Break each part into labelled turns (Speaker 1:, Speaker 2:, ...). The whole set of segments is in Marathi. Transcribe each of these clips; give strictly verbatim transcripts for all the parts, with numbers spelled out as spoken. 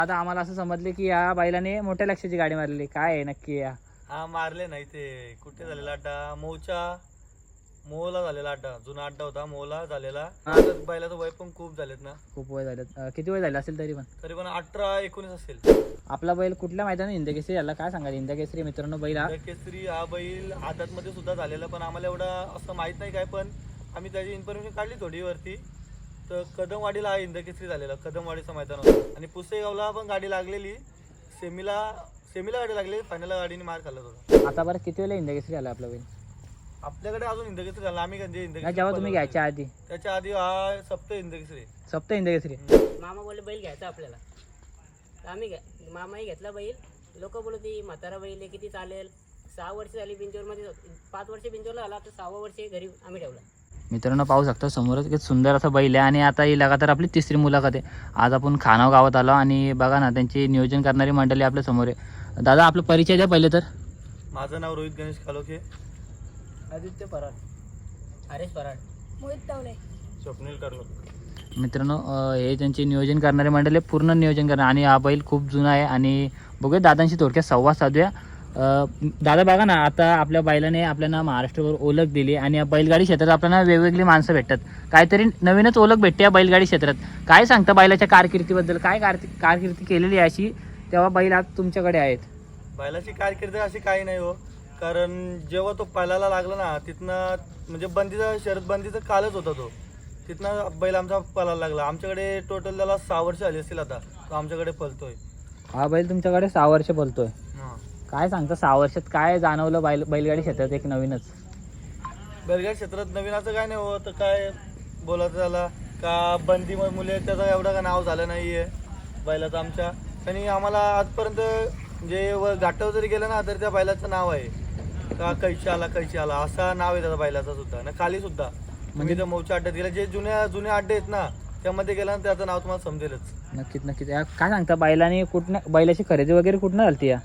Speaker 1: आता आम्हाला असं समजले की या बैलाने मोठ्या लक्षाची गाडी मारली, काय आहे नक्की या?
Speaker 2: हा मारले नाही ते कुठे झालेला अड्डा मोचा मोला झालेला अड्डा, जुना अड्डा होता मोला झालेला. आता बैलाचं वय पण खूप झालेत ना,
Speaker 1: खूप वय झालं. अं, किती वय झालं असेल तरी पण?
Speaker 2: तरी पण अठरा एकोणीस असेल.
Speaker 1: आपला बैल कुठल्या मैदानात हिंदकेसरी याला काय सांगा? हिंदकेसरी मित्रांनो बैल हा
Speaker 2: केसरी हा बैल आदात मध्ये सुद्धा झालेला, पण आम्हाला एवढा असं माहित नाही काय, पण आम्ही त्याची इन्फॉर्मेशन काढली थोडी वरती. तर कदमवाडीला हा हिंदकेसरी झालेला, कदमवाडीचं मैदान होतं. आणि पुसेगावला पण गाडी लागलेली, सेमीला सेमीला गाडी लागली, फायनलला गाडीने मार खाल्ला होता.
Speaker 1: आता बरं किती वेळेला हिंदकेसरी आला आपला बैल?
Speaker 2: आपल्याकडे अजून हिंदकेसरी झाला, आम्ही कधी
Speaker 1: नाही,
Speaker 2: हिंदकेसरी
Speaker 1: जेव्हा तुम्ही घ्यायच्या आधी
Speaker 2: त्याच्या आधी हा सप्त हिंदकेसरी
Speaker 1: सप्त हिंदकेसरी.
Speaker 3: मामा बोलले बैल घ्यायचा आपल्याला, तर आम्ही घ्या मामाही घेतला बैल. लोक बोलत ती म्हातारा बैल आहे, किती चालेल. सहा वर्ष झाली बिंजोरमध्ये, पाच वर्ष बिंजोरला आला, तर सहावा वर्ष घरी आम्ही ठेवला.
Speaker 1: मित्रांनो पाहू शकता समोरच किती सुंदर असा बैल आहे. आणि आता ही लगातार आपली तिसरी मुलाखत आहे. आज आपण खानाव गावात आलो आणि बघा ना त्यांची नियोजन करणारी मंडळी आपल्या समोर आहे. दादा आपला परिचय द्या पहिले तर.
Speaker 2: माझं नाव रोहित गणेश कालोखे,
Speaker 3: आदित्य पराड, हरेश पराड, मोहित तावले,
Speaker 2: स्वप्नील कर्णक.
Speaker 1: मित्रांनो अं, हे त्यांचे नियोजन करणारे मंडळी आहे, पूर्ण नियोजन करणार. आणि हा बैल खूप जुना आहे. आणि बघूया दादांशी थोडक्यात संवाद साधूया. अं, दादा बघा ना आता आपल्या बैलाने आपल्याला महाराष्ट्रभर ओळख दिली आणि या बैलगाडी क्षेत्रात आपल्याला वेगवेगळी माणसं भेटतात, काहीतरी नवीनच ओळख भेटते या बैलगाडी क्षेत्रात. काय सांगता बैलाच्या कारकिर्दीबद्दल? काय कारकी कारकिर्दी केलेली आहे अशी तेव्हा बैल आज तुमच्याकडे आहेत?
Speaker 2: बैलाची कारकीर्द अशी काही नाही हो, कारण जेव्हा तो पळायला लागला ना तिथनं म्हणजे बंदीचा शरद बंदीचा कालच होता तो, तिथनं बैल आमचा पळायला लागला. आमच्याकडे टोटल त्याला सहा वर्ष आली असतील आता, तो आमच्याकडे पळतोय.
Speaker 1: हा बैल तुमच्याकडे सहा वर्ष बोलतोय.
Speaker 2: हा.
Speaker 1: काय सांगता सहा वर्षात काय जाणवलं बैल बैलगाडी क्षेत्रात एक नवीनच?
Speaker 2: बैलगाडी क्षेत्रात नवीन असं काय नाही हो, तर काय बोलायचं झाला का बंदी मुले त्याचं एवढं का नाव झालं नाही आहे बैलाचं आमच्या. आणि आम्हाला आजपर्यंत जे व घाटावर जरी गेलं ना तर त्या बैलाचं नाव आहे का कैशी आला कैशी आला असा नाव आहे त्याचा बैलाचा सुद्धा ना. खाली सुद्धा म्हणजे त्या मौच्या अड्ड्यात गेला, जे जुन्या जुने अड्डे आहेत ना त्यामध्ये गेला ना त्याचं नाव तुम्हाला समजेलच.
Speaker 1: नक्कीच नक्कीच. या काय सांगता बैलाने कुठनं बैलाची खरेदी वगैरे कुठनं झाली या?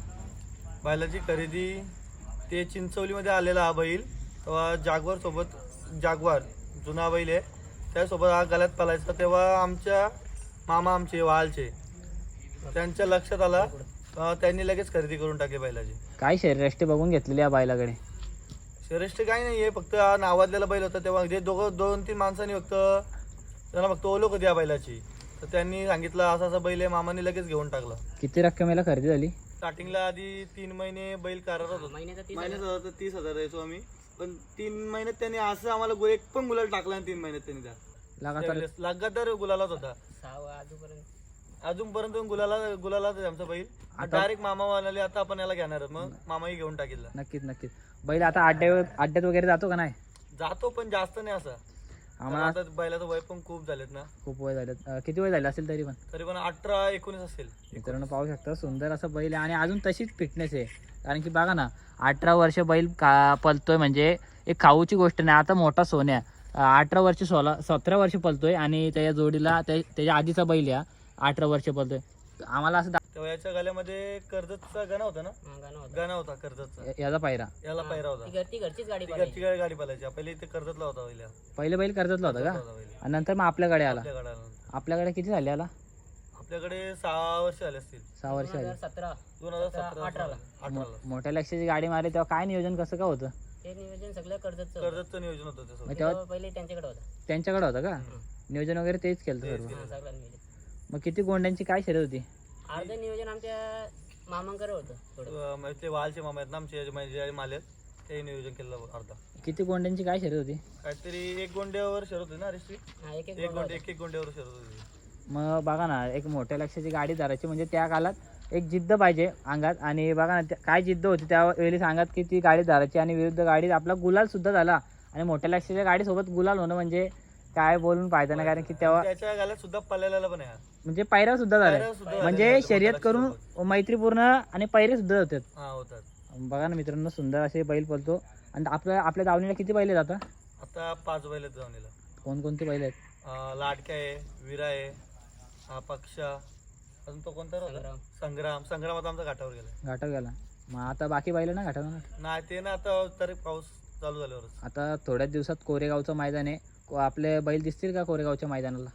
Speaker 2: बैलाची खरेदी ते चिंचवलीमध्ये आलेला हा बैल, तेव्हा जागवार सोबत जागवार जुना बैल आहे त्यासोबत हा गळ्यात पळायचा, तेव्हा आमच्या मामा आमचे वालचे त्यांच्या लक्षात आला, त्यांनी लगेच खरेदी करून टाकली बैलाची.
Speaker 1: काय शरीरयष्टी बघून घेतलेली या बैलाकडे?
Speaker 2: श्रेष्ठ काही नाही आहे, फक्त हा नावाजलेला बैल होता तेव्हा जे दोघं दोन तीन माणसांनी फक्त त्यांना फक्त ओळख होती या बैलाची, तर त्यांनी सांगितलं असा असा बैल आहे, मामाने लगेच घेऊन टाकला.
Speaker 1: किती रक्कमेला खरेदी झाली?
Speaker 2: स्टार्टिंगला आधी तीन महिने बैल करारात होता,
Speaker 3: महिन्याचा तीस
Speaker 2: महिन्याचा होता तीस हजार द्यायचो आम्ही, पण तीन महिन्यात त्यांनी असं आम्हाला गु- एक पण गुलाल टाकला आणि तीन महिन्यात त्यांनी त्या
Speaker 1: लगातार
Speaker 2: त्यावेळेस लगातार गुलालाच होता.
Speaker 3: सहावा अजूनपर्यंत.
Speaker 2: अजूनपर्यंत गुलाला गुलालाच आहे आमचा बैल. डायरेक्ट मामा म्हणाले आता आपण याला घेणार आहोत, मग मामाही घेऊन टाकिला.
Speaker 1: नक्कीच नक्कीच. बैल आता अड्ड्यावर अड्ड्यात वगैरे जातो का नाही?
Speaker 2: जातो पण जास्त नाही असं,
Speaker 1: आम्हाला
Speaker 2: आता बैलाचं वय पण खूप झालेत ना,
Speaker 1: खूप वय झालं. अं, किती वय झालं असेल तरी पण?
Speaker 2: तरी पण अठरा एकोणीस असेल.
Speaker 1: मित्रांनो पाहू शकता सुंदर असं बैल आहे आणि अजून तशीच फिटनेस आहे. कारण की बघा ना अठरा वर्ष बैल का पलतोय म्हणजे एक खाऊची गोष्ट नाही. आता मोठा सोन्या अठरा वर्ष सोळा सतरा वर्ष पलतोय आणि त्याच्या जोडीला त्या त्याच्या आधीचा बैल या अठरा वर्ष पलतोय. आम्हाला असं दा-
Speaker 2: तेव्हा याच्या गळ्यामध्ये कर्जतचा गाणा होता ना,
Speaker 3: हा, गाणं होतं.
Speaker 2: गाणा होता कर्जतचा,
Speaker 1: याचा पायरा
Speaker 2: याला पायरा होता.
Speaker 3: ती घर- ती घरचीच गाडी
Speaker 2: ती
Speaker 3: पळायची.
Speaker 2: घरची गाडी गाडी पालायची, पहिले इथे कर्जतला होता पहिल्या
Speaker 1: पहिले बैल कर्जतला होता का?
Speaker 2: होता पहिले.
Speaker 1: आणि नंतर मग आपल्याकडे आला.
Speaker 2: आपल्या गाड्याला
Speaker 1: आपल्याकडे किती झाले आला?
Speaker 2: आपल्याकडे सहा वर्ष आले असतील,
Speaker 1: सहा वर्ष
Speaker 3: दोन
Speaker 1: झाले.
Speaker 3: हजार सतरा
Speaker 2: दोन हजार
Speaker 3: सतरा,
Speaker 2: सतरा
Speaker 3: अठराला.
Speaker 2: अठराला
Speaker 1: मोठ्या लक्षाची गाडी मारली तेव्हा काय नियोजन कसं का होतं?
Speaker 3: ते नियोजन सगळं कर्जतचं होतं.
Speaker 2: कर्जतचं नियोजन होतं त्यासोबत.
Speaker 1: मग तेव्हा
Speaker 3: तेव्हा पहिले त्यांच्याकडे होता.
Speaker 1: त्यांच्याकडे होतं का नियोजन वगैरे? तेच केलं
Speaker 2: तेच
Speaker 1: सर्व.
Speaker 2: केलं.
Speaker 3: हा, सगळं नियोजन.
Speaker 1: मग किती गोंड्यांची काय शर्यत होती?
Speaker 3: अर्ध नियोजन आमच्या मामांकडे होतं थोडं.
Speaker 2: अं, म्हणजे ते वालचे मामा आहेत ना आमचे, म्हणजे माले आहेत, ते नियोजन केलं अर्धा.
Speaker 1: किती गोंड्यांची काय शर्यत होती?
Speaker 2: काहीतरी एक गोंड्यावर शरत होती ना रेस्ट्री,
Speaker 3: हा, एक एक
Speaker 2: एक
Speaker 3: गोंडा
Speaker 2: गोंडे एक एक गोंड्यावर शरत होती.
Speaker 1: मग बघा ना एक मोठ्या लक्षाची गाडी धरायची म्हणजे त्या काळात एक जिद्द पाहिजे अंगात. आणि बघा ना त्या- काय जिद्द होती त्यावेळी सांगत की ती गाडी धरायची आणि विरुद्ध गाडीत आपला गुलाल सुद्धा झाला. आणि मोठ्या लक्षाच्या गाडीसोबत गुलाल होणं म्हणजे काय बोलून फायदा नाही. कारण की तेव्हा
Speaker 2: त्याच्या गाल्यात सुद्धा पळालेला पण आहे,
Speaker 1: म्हणजे पायऱ्या सुद्धा
Speaker 2: पायऱ्या
Speaker 1: झाल्या
Speaker 2: सुद्धा
Speaker 1: म्हणजे
Speaker 2: झालेल्या
Speaker 1: शर्यत
Speaker 2: मोठ्या
Speaker 1: करून मैत्रीपूर्ण आणि पायरे सुद्धा होतात.
Speaker 2: हा होतात.
Speaker 1: बघा ना मित्रांनो सुंदर असे बैल पळतो. आणि आपल्या आपल्या दावणीला किती बैल आहेत आता?
Speaker 2: आता पाच बैल आहेत जाऊनीला.
Speaker 1: कोणकोणते बैल आहेत?
Speaker 2: अं, लाडक्या आहे, विरा आहे, हा पक्षा, अजून तो कोणता होता?
Speaker 3: संग्राम.
Speaker 2: संग्राम. संग्राम आता आमचा घाटावर गेला.
Speaker 1: घाटावर गेला. मग आता बाकी बैल ना घाटावर?
Speaker 2: नाही ते ना आता तरी पाऊस चालू झाल्यावरच.
Speaker 1: आता थोड्याच दिवसात कोरेगावचं मैदान आहे. को- आपले बैल दिसतील का कोरेगावच्या मैदानाला?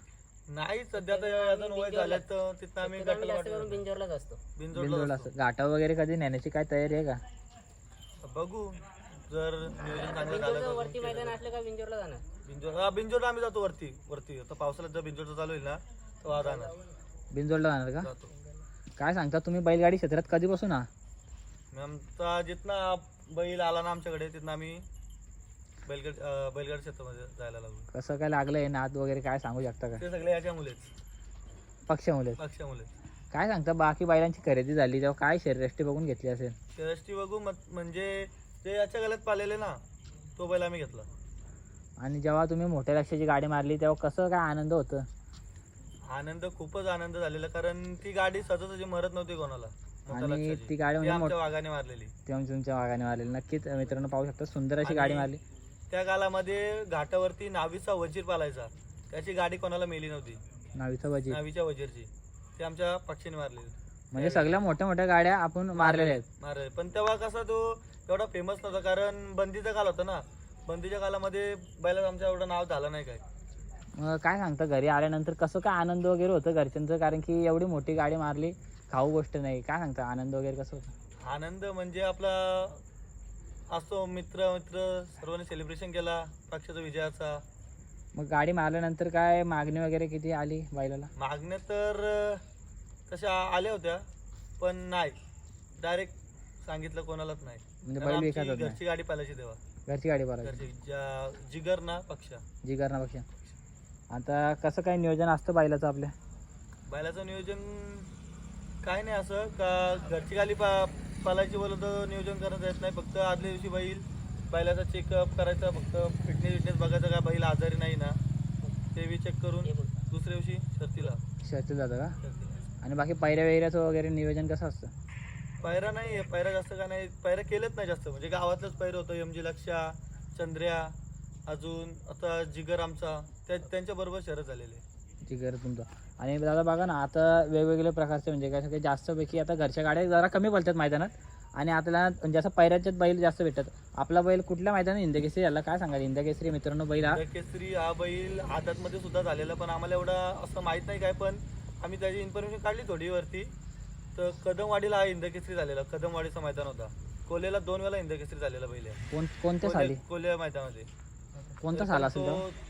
Speaker 2: नाही सध्या तर अजून वय झालं तर तिथं आम्ही
Speaker 3: शक्यतो आम्ही जास्त
Speaker 2: गटाला
Speaker 3: करून बिंजोरलाच असतो.
Speaker 2: बिनजोडला
Speaker 1: बिंदोडला असं घाटा वगैरे कधी नेण्याची काय तयारी आहे का?
Speaker 2: बघू जर नियोजन चांगलं झालं
Speaker 3: बिंजोरचं
Speaker 2: तर
Speaker 3: वरती मैदान असलं का बिंजोरला जाणार.
Speaker 2: बिंजोड हा बिंजोडला आम्ही जातो वरती वरती आता पावसाळ्यात जर बिंजोडचं चालू होईल ना तेव्हा जाणार
Speaker 1: बिंदोडला जाणार का?
Speaker 2: जातो.
Speaker 1: काय सांगता तुम्ही बैलगाडी क्षेत्रात कधीपासून हा?
Speaker 2: मग आमचा जिथनं बैल आला ना आमच्याकडे तिथनं आम्ही बैलगाड अं, बैलगाडी क्षेत्रामध्ये जायला लागलो.
Speaker 1: कसं काय लागलंय नाद वगैरे काय सांगू शकता का?
Speaker 2: ते सगळे याच्या मुलेच
Speaker 1: पक्षामुळे
Speaker 2: पक्षामुळे
Speaker 1: काय सांगता बाकी बैलांची खरेदी झाली तेव्हा काय शरीरयष्टी बघून घेतली असेल?
Speaker 2: शर्यष्टी बघू मत- म्हणजे जे याच्या गळ्यात पालेले ना तो बैल आम्ही घेतला.
Speaker 1: आणि जेव्हा तुम्ही मोठ्या लक्षाची गाडी मारली तेव्हा कसं काय आनंद होतं?
Speaker 2: आनंद खूपच आनंद झालेला कारण ती गाडी सहजासहजी मरत नव्हती कोणाला मोठ्या
Speaker 1: आणि
Speaker 2: लक्षाची.
Speaker 1: ती गाडी
Speaker 2: ती
Speaker 1: म्हणजे
Speaker 2: आमच्या वाघाने मारलेली.
Speaker 1: तेव्हा तुमच्या वागाने मारलेली नक्कीच मित्रांनो पाहू शकता सुंदर अशी
Speaker 2: आणि
Speaker 1: गाडी मारली.
Speaker 2: त्या कालामध्ये घाटावरती नावीचा वजीर पालायचा त्याची गाडी कोणाला मेली नव्हती.
Speaker 1: नावीचा वजीर
Speaker 2: नावीच्या वजीरची ती आमच्या पक्षीने मारलेली
Speaker 1: म्हणजे सगळ्या मोठ्या मोठ्या गाड्या आपण मारलेल्या आहेत.
Speaker 2: मारले. पण तेव्हा कसा तो एवढा फेमस नव्हता कारण बंदीचा काल होता ना. बंदीच्या कालामध्ये बैलाचं आमच्या एवढं नाव झालं नाही काय.
Speaker 1: मग काय सांगता घरी आल्यानंतर कसं काय आनंद वगैरे होतं घरच्यांचं कारण की एवढी मोठी गाडी मारली खाऊ गोष्ट नाही. काय सांगता आनंद वगैरे कसं होतं?
Speaker 2: आनंद म्हणजे आपला असतो मित्र मित्र सर्वांनी सेलिब्रेशन केला पक्षाचा विजयाचा.
Speaker 1: मग गाडी मारल्यानंतर काय मागणी वगैरे किती आली बैलाला?
Speaker 2: मागण्या तर अं, तशा आल्या होत्या पण नाही डायरेक्ट सांगितलं कोणालाच नाही.
Speaker 1: म्हणजे
Speaker 2: कारण
Speaker 1: बैल
Speaker 2: आमची
Speaker 1: विकतच नाही
Speaker 2: घरची गाडी पालायची तेव्हा
Speaker 1: घरची गाडी भरायची
Speaker 2: घरची ज्या जिगर ना पक्षा
Speaker 1: जिगर ना पक्षा. आता कसं काय नियोजन असतं बैलाचं आपल्या?
Speaker 2: बैलाचं नियोजन काय नाही असं का घरची गाडी पा पालायची बोलत नियोजन करत येत नाही. फक्त आदल्या दिवशी बैल बैलाचा चेकअप करायचा फक्त फिटनेस विटनेस बघायचं का बैल आजारी नाही ना ते बी चेक करून
Speaker 3: हे बघ.
Speaker 2: दुसऱ्या दिवशी शर्तीला
Speaker 1: शर्तीत जातं का?
Speaker 2: शर्तीला.
Speaker 1: आणि बाकी पायऱ्या वैऱ्याचं वगैरे नियोजन कसं असतं?
Speaker 2: पायरा नाही पायरा जास्त का नाही पायरा केलेच नाही जास्त म्हणजे गावातलंच पायरं होतं. एम जी लक्षा चंद्र्या अजून आता जिगर आमचा त्या त्यांच्या बरोबर शरद झालेले.
Speaker 1: जिगर तुमचा. आणि दादा बघा ना आता वेगवेगळे प्रकारचे म्हणजे काय सगळे जास्तपैकी आता घरच्या गाड्या जरा कमी बोलतात मैदानात आणि आपल्याला म्हणजे असं पैऱ्याच्याच बैल जास्त भेटतात. आपला बैल कुठल्या मैदानात हिंदकेसरी याला काय सांगाल? हिंदकेसरी मित्रांनो बैल हा
Speaker 2: केसरी हा बैल आदतमध्ये सुद्धा झालेला पण आम्हाला एवढं असं माहीत नाही काय पण आम्ही त्याची इन्फॉर्मेशन काढली थोडी वरती. तर कदमवाडीला हा हिंदकेसरी झालेला कदमवाडीचा मैदान होता. कोलेला दोन वेळा हिंदकेसरी झालेला बैल आहे.
Speaker 1: कोण कोणत्या साली
Speaker 2: कोले मैदानामध्ये
Speaker 1: कोणता साल असेल तो?
Speaker 2: तो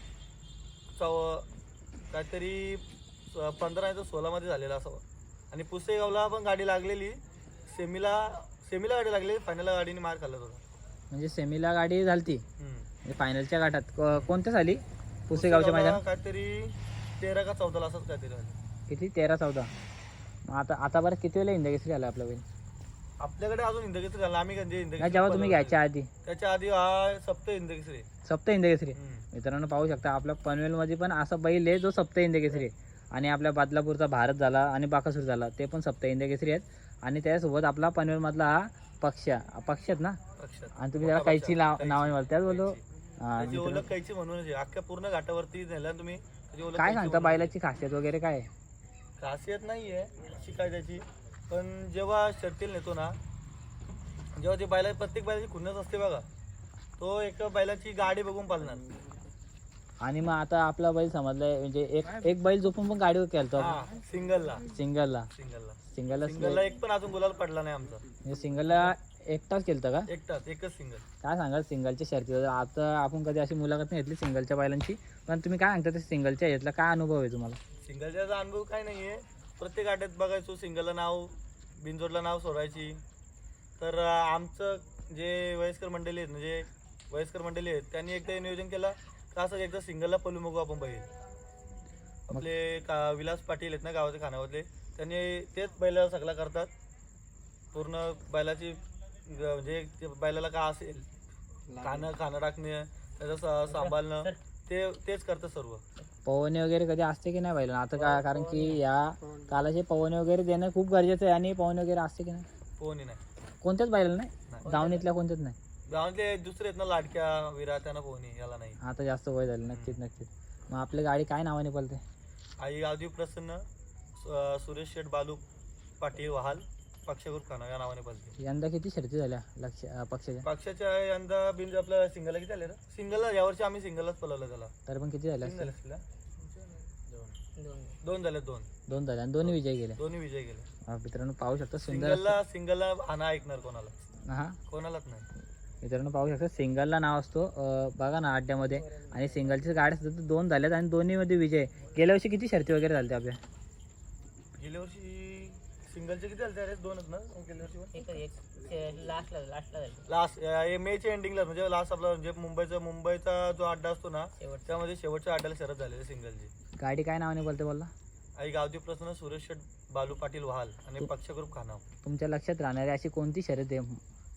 Speaker 2: चौ काहीतरी पंधरा नाही तर सोळामध्ये झालेला असावा. आणि पुसेगावला पण गाडी लागलेली सेमीला सेमीला गाडी लागलेली फायनलला गाडीने मार खाल्ला होता.
Speaker 1: म्हणजे सेमीला गाडी झालती
Speaker 2: हम्म.
Speaker 1: म्हणजे फायनलच्या गाठात को- कोणत्या साली? पुसेगावच्या मैदान
Speaker 2: काहीतरी तेरा का चौदाला असंच काहीतरी झालं.
Speaker 1: किती तेरा चौदा. मग आता आता बरं किती वेळेला हिंदकेसरी आला आपला बैल?
Speaker 2: आपल्याकडे अजून हिंदकेसरी झाला आम्ही कधी
Speaker 1: नाही जेव्हा तुम्ही घ्यायच्या आधी
Speaker 2: त्याच्या आधी हा सप्त हिंदकेसरी.
Speaker 1: सप्त हिंदकेसरी.
Speaker 2: हम्म.
Speaker 1: मित्रांनो पाहू शकता आपल्या पनवेलमध्ये पण असा बैल आहे जो सप्त हिंदकेसरी आहे. आणि आपल्या बदलापूरचा भारत झाला आणि बाकासूर झाला ते पण सप्त हिंदकेसरी आहेत. आणि त्याच्यासोबत आपला पनवेलमधला हा पक्ष पक्षात ना.
Speaker 2: पक्षात.
Speaker 1: आणि तुम्ही त्याला कैची नाव
Speaker 2: कैची.
Speaker 1: नावाने बोलता त्याच बोललो.
Speaker 2: कैची.
Speaker 1: हा,
Speaker 2: त्याची
Speaker 1: मित्रांनो,
Speaker 2: ओळख कैची म्हणूनच आहे. अख्ख्या पूर्ण घाटावरती नेला तुम्ही त्याची ओळख
Speaker 1: काय
Speaker 2: कैची
Speaker 1: सांगता
Speaker 2: म्हणून
Speaker 1: बैलाची खासियत वगैरे काय आहे?
Speaker 2: आहे. खासियत नाही आहे अशी काय त्याची पण जेव्हा शर्तीला नेतो ना जेव्हा ती बैला प्रत्येक बैलाची खुन्नस असते बघा तो एक बैलाची गाडी बघून पालणार.
Speaker 1: आणि मग आता आपला बैल समजलाय म्हणजे एक एक बैल झोपून पण गाडीवर केलतो
Speaker 2: हा सिंगलला
Speaker 1: सिंगलला
Speaker 2: सिंगलला
Speaker 1: सिंगलला
Speaker 2: सिंगलला एक पण अजून गुलाल पडला नाही आमचा.
Speaker 1: म्हणजे सिंगलला एकटाच केलतं का?
Speaker 2: एकटाच एकच सिंगल.
Speaker 1: काय सांगाल सिंगलच्या शर्ती? आता आपण कधी अशी मुलाखत नाही घेतली सिंगलच्या बैलांची पण तुम्ही काय सांगता ते सिंगलच्या यातला काय अनुभव आहे तुम्हाला?
Speaker 2: सिंगलचा अनुभव काय नाहीये प्रत्येक आट्यात बघायचो सिंगलला नाव बिनजोडला नाव सोडायची. तर अं, आमचं जे वयस्कर मंडळी आहेत म्हणजे वयस्कर मंडळी आहेत त्यांनी एकदा नियोजन केलं का असं एकदा सिंगलला पलू बघू आपण बैल. आपले का विलास पाटील आहेत ना गावाचे खानावरले त्यांनी तेच बैलाला सगळा करतात पूर्ण बैलाची ग- म्हणजे ते बैलाला का असेल खाणं खाणं टाकणं त्याचं सा- सांभाळणं ते तेच करतात सर्व.
Speaker 1: पवने वगैरे कधी असते की नाही बैल? आता का कारण की या कालाचे पवने वगैरे देणं खूप गरजेचं आहे आणि पवने वगैरे असते की नाही?
Speaker 2: पोहणी नाही
Speaker 1: कोणत्याच बैलाला नाही?
Speaker 2: नाही.
Speaker 1: दावणीतल्या कोणत्याच नाही?
Speaker 2: गावातले दुसरे आहेत ना लाडक्या विरा त्यांना पोहणी याला नाही.
Speaker 1: आता जास्त वय झालं नक्कीच नक्कीच. मग आपली गाडी काय नावाने पळते?
Speaker 2: आई गावदेव प्रसन्न सु- सुरेश शेठ बालू पाटील वहाल पक्षगुर खाना या नावाने बोलते.
Speaker 1: यंदा किती शर्ती झाल्या लक्ष अं, पक्षाच्या?
Speaker 2: पक्षाच्या यंदा बिन आपल्या सिंगलला किती आले रे? सिंगलला यावर्षी आम्ही सिंगललाच पळवलं त्याला.
Speaker 1: तरी पण किती झाल्या
Speaker 2: सिंगल
Speaker 1: असतील?
Speaker 2: असतील
Speaker 3: दोन
Speaker 2: दोन झाले दोन
Speaker 1: दोन झाले आणि दोन्ही विजय गेले.
Speaker 2: दोन्ही विजय गेले.
Speaker 1: अं, मित्रांनो पाहू शकता सुंदर
Speaker 2: सिंगलला सिंगलला आणा ऐकणार कोणाला
Speaker 1: हा
Speaker 2: कोणालाच नाही.
Speaker 1: मित्रांनो पाहू शकता सिंगलला नाव असतो अं, बघा ना अड्ड्यामध्ये आणि सिंगलचे गाड्या सुद्धा तर दोन झाल्यात आणि दोन्हीमध्ये विजय. गेल्या वर्षी किती शर्ती वगैरे झाल्या आपल्या?
Speaker 2: गेल्या वर्षी सिंगलचे किती झाले रे? दोनच ना गेल्या वर्षी.
Speaker 3: एक एक लास्टला लास्टला झाली
Speaker 2: लास्ट मेच्या एंडिंगला म्हणजे लास्ट आपला म्हणजे मुंबईचा मुंबईचा जो अड्डा असतो ना
Speaker 3: शेवटचा.
Speaker 2: त्यामध्ये शेवटच्या अड्ड्याला शरद झालेली सिंगलची.
Speaker 1: गाडी काय नावाने बोलते बोलला?
Speaker 2: आई गावठी प्रश्न सुरेश शेठ बालू पाटील वहाल आणि पक्ष ग्रुप खानाव.
Speaker 1: तुमच्या लक्षात राहणारी अशी कोणती शर्यत आहे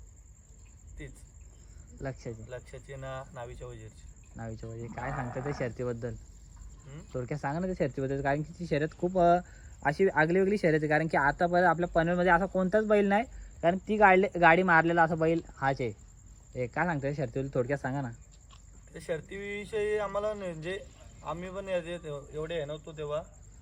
Speaker 2: तीच
Speaker 1: लक्षाची
Speaker 2: लक्षाची ना नावीच्या वजीरची.
Speaker 1: नावीच्या वगैरे काय सांगता त्या शर्यतीबद्दल?
Speaker 2: हम्म?
Speaker 1: थोडक्यात सांगा ना त्या शर्यतीबद्दल, कारण की ती शर्यत खूप अं, अशी आगली वेगळी शर्यत आहे. कारण की आतापर्यंत आपल्या पनवेलमध्ये असा कोणताच बैल नाही, कारण ती गाडी गाडी मारलेला असा बैल हाच आहे. हे काय सांगता त्या शर्यतीबद्दल थोडक्यात सांगा ना.
Speaker 2: त्या शर्तीविषयी आम्हाला न- म्हणजे आम्ही पण याचे तेव्हा- एवढे आहे नव्हतो तेव्हा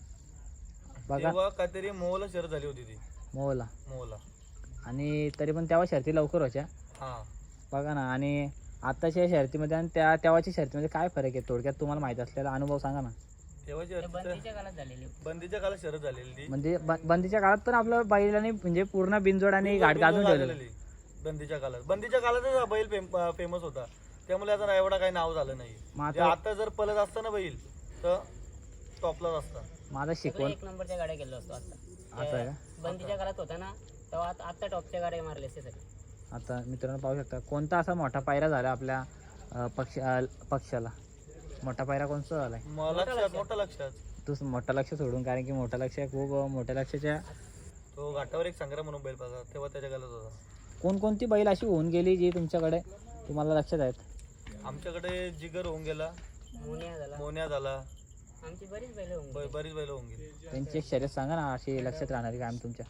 Speaker 1: बघा
Speaker 2: तेव्हा काहीतरी मोहला शर्यत झाली होती ती
Speaker 1: मोहला,
Speaker 2: मोहला.
Speaker 1: आणि तरी पण तेव्हा शर्ती लवकर व्हायच्या
Speaker 2: हा
Speaker 1: बघा ना. आणि आताच्या शर्यतीमध्ये आणि त्या तेव्हाच्या शर्यतीमध्ये काय फरक आहे थोडक्यात तुम्हाला माहित असलेला अनुभव सांगा ना.
Speaker 2: तेव्हाची
Speaker 3: ते
Speaker 2: शर्यत
Speaker 3: बंदीच्या काळात झालेली होती.
Speaker 2: बंदीच्या काळात शर्यत झालेली ती.
Speaker 1: म्हणजे ब- बंदीच्या काळात पण आपलं बैलाने म्हणजे पूर्ण बिनजोड आणि गाडी गाजून ठेवलेलं.
Speaker 2: झालेली बंदीच्या काळात बंदीच्या काळातच हा बैल फेमस होता, त्यामुळे आता एवढा काही नाव झालं नाही.
Speaker 1: मग
Speaker 2: म्हणजे
Speaker 1: आता
Speaker 2: आता जर पलत असता ना बैल तर टॉपलाच असता.
Speaker 1: माझा
Speaker 3: सगळे
Speaker 1: शिकवण
Speaker 3: एक नंबरच्या गाड्या गेलो असतो आता.
Speaker 1: असं आहे का?
Speaker 3: बंदीच्या काळात होता ना तेव्हा आता आता टॉपच्या गाड्या मारले असते सगळे.
Speaker 1: आता मित्रांनो पाहू शकता कोणता असा मोठा पायरा झाला आपल्या अं, पक्ष अं, पक्षाला. मोठा पायरा कोणता झालाय?
Speaker 2: म- लक्षात मोठा लक्षात
Speaker 1: तू मोठा लक्ष सोडून, कारण की मोठा लक्ष खूप अं, मोठ्या लक्षाच्या
Speaker 2: तो घाटावर एक संग्राम म्हणून बैल पाहिजे तेव्हा त्याच्या गालात होता.
Speaker 1: कोणकोणती बैल अशी होऊन गेली जी तुमच्याकडे तुम्हाला लक्षात आहेत?
Speaker 2: आमच्याकडे जिगर होऊन गेला,
Speaker 3: मोनिया झाला,
Speaker 2: मोन्या झाला,
Speaker 3: आमची बरीच बैल होऊन
Speaker 2: ब-
Speaker 3: गेली.
Speaker 2: बरीच बैल होऊन गेली.
Speaker 1: त्यांची एक शर्यत सांगा ना अशी लक्षात राहणारी कायम तुमच्या.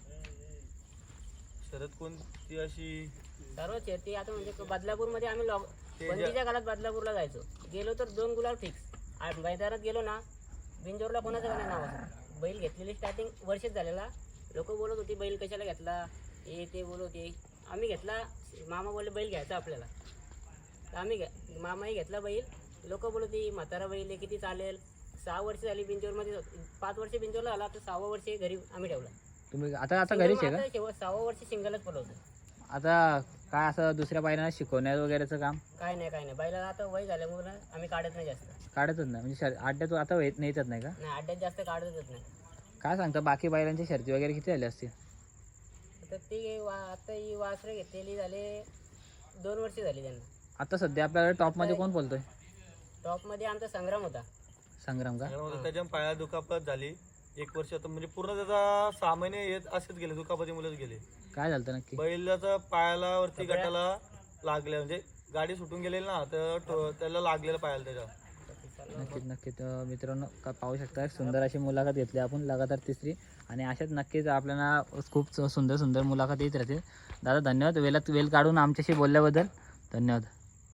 Speaker 2: शर्यत कोणती अशी
Speaker 3: सर्व शर्ती आता म्हणजे बदलापूरमध्ये आम्ही लॉक
Speaker 2: ते ज्या-
Speaker 3: बंदीच्या काळात बदलापूरला जायचो. गेलो तर दोन गुलाल फिक्स. मैदानात गेलो ना बिंजोरला कोणाचं का नाही नाव असं. बैल घेतलेली स्टार्टिंग वर्षच झालेला. लोक बोलत होती बैल कशाला घेतला हे ते बोलत होते. आम्ही घेतला, मामा बोलले बैल घ्यायचा आपल्याला, तर आम्ही घ्या मामाही घेतला बैल. लोक बोलत होती म्हातारा बैल आहे, किती चालेल. सहा वर्ष झाली बिंजोरमध्ये, पाच वर्ष बिंजोरला आला तर सहावं वर्ष घरी आम्ही ठेवला.
Speaker 1: तुम्ही आता आता घरीच आहे का?
Speaker 3: आता शेवट सहावं वर्ष सिंगलच पडवतो.
Speaker 1: आता काय असं दुसऱ्या बैलांना शिकवण्यात वगैरेचं काम
Speaker 3: काय नाही काय नाही बैलाला आता वय झाल्यामुळे ना आम्ही काढत नाही जास्त.
Speaker 1: काढतच नाही म्हणजे शर अड्ड्यात आता येत नेतच नाही का?
Speaker 3: नाही अड्ड्यात जास्त काढतच नाही.
Speaker 1: काय सांगता बाकी बैलांची शर्ती वगैरे किती झाली असतील?
Speaker 3: तर ती वा आता ही वासरं घेतलेली झाले दोन वर्ष झाली त्यांना.
Speaker 1: आता सध्या आपल्याला टॉपमध्ये कोण बोलतोय?
Speaker 3: टॉपमध्ये आमचा संग्राम होता.
Speaker 1: संग्राम का?
Speaker 2: त्याच्यामध्ये त्याच्या पाया दुखापत झाली एक वर्ष, आता म्हणजे पूर्ण त्याचा सहा महिने येत असेच गेले, दुखापतीमुळेच गेले.
Speaker 1: काय झालं होतं नक्की?
Speaker 2: बैलाचा पायाला वरती गटाला लागले म्हणजे गाडी सुटून गेलेली ना तर तो- त्याला लागलेलं पायाला त्याच्या.
Speaker 1: नक्कीच नक्कीच अं, मित्रांनो का पाहू शकता सुंदर अशी मुलाखत घेतली आपण लगातार तिसरी, आणि अशाच नक्कीच आपल्याला खूप सुंदर सुंदर मुलाखत येत राहतील. दादा धन्यवाद वेळात वेळ काढून आमच्याशी बोलल्याबद्दल. धन्यवाद.